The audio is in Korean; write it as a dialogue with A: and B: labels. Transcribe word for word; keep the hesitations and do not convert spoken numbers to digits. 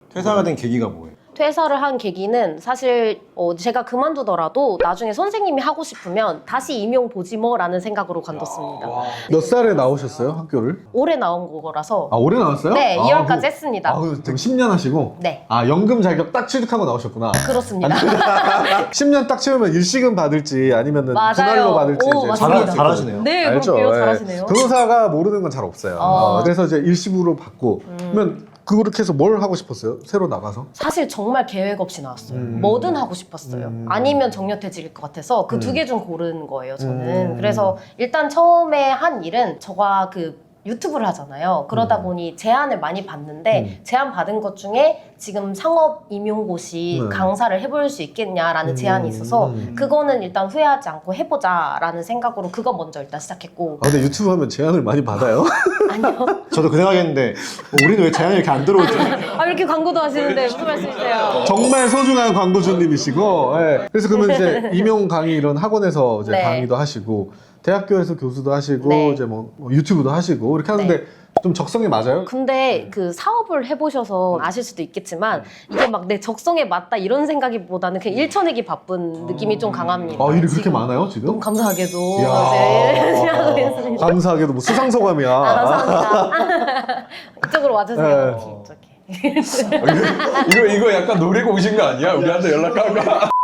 A: 퇴사가 된 계기가 뭐예요?
B: 퇴사를 한 계기는 사실 어, 제가 그만두더라도 나중에 선생님이 하고 싶으면 다시 임용 보지 뭐 라는 생각으로 관뒀습니다.
C: 몇 살에 나오셨어요, 학교를?
B: 올해 나온 거라서
C: 아, 올해 나왔어요?
B: 네,
C: 아,
B: 이월까지
C: 그-
B: 했습니다.
C: 아, 그럼 십 년 하시고?
B: 네.
C: 아, 연금 자격 딱 취득하고 나오셨구나.
B: 그렇습니다.
C: 십 년 딱 채우면 일시금 받을지 아니면은
B: 맞아요.
C: 분할로 받을지
B: 오,
C: 이제
B: 맞습니다.
C: 정할 수 있거든요.
A: 잘하시네요.
B: 네,
C: 알죠?
B: 그렇게요.
C: 예.
B: 잘하시네요.
C: 변호사가 모르는 건 잘 없어요.
B: 어.
C: 어, 그래서 이제 일시부로 받고 그러면 그렇게 해서 뭘 하고 싶었어요? 새로 나가서?
B: 사실 정말 계획 없이 나왔어요.
C: 음.
B: 뭐든 하고 싶었어요.
C: 음.
B: 아니면 정년퇴직일 것 같아서 그 두
C: 음.
B: 개 중 고른 거예요, 저는.
C: 음.
B: 그래서 일단 처음에 한 일은 저가 그 유튜브를 하잖아요. 그러다
C: 음.
B: 보니 제안을 많이 받는데
C: 음.
B: 제안 받은 것 중에 지금 상업 임용고시
C: 네.
B: 강사를 해볼 수 있겠냐라는
C: 음.
B: 제안이 있어서
C: 음.
B: 그거는 일단 후회하지 않고 해보자라는 생각으로 그거 먼저 일단 시작했고
C: 아, 근데 유튜브 하면 제안을 많이 받아요?
B: 아니요.
A: 저도 그 생각했는데 어, 우리는 왜 제안이 이렇게 안 들어오지?
B: 아 이렇게 광고도 하시는데 무슨 말씀이세요?
C: 정말 소중한 광고주님이시고, 예. 그래서 그러면 이제 임용 강의 이런 학원에서 이제
B: 네.
C: 강의도 하시고, 대학교에서 교수도 하시고,
B: 네.
C: 이제 뭐, 뭐 유튜브도 하시고, 이렇게 하는데
B: 네.
C: 좀 적성에 맞아요?
B: 근데 그 사업을 해보셔서 아실 수도 있겠지만 이게 막 내 적성에 맞다 이런 생각보다는 그냥 일쳐내기 바쁜 느낌이 좀 강합니다.
C: 아, 일이 그렇게
B: 지금.
C: 많아요,
B: 너무
C: 지금?
B: 감사하게도
C: 이야.
B: 네, 열심히 하고 있습니다.
C: 감사하게도 뭐 수상소감이야.
B: 아, 감사합니다. 이쪽으로 와주세요.
C: 네.
B: 이쪽에.
D: 이거, 이거 약간 노리고 오신 거 아니야? 우리한테 연락하고.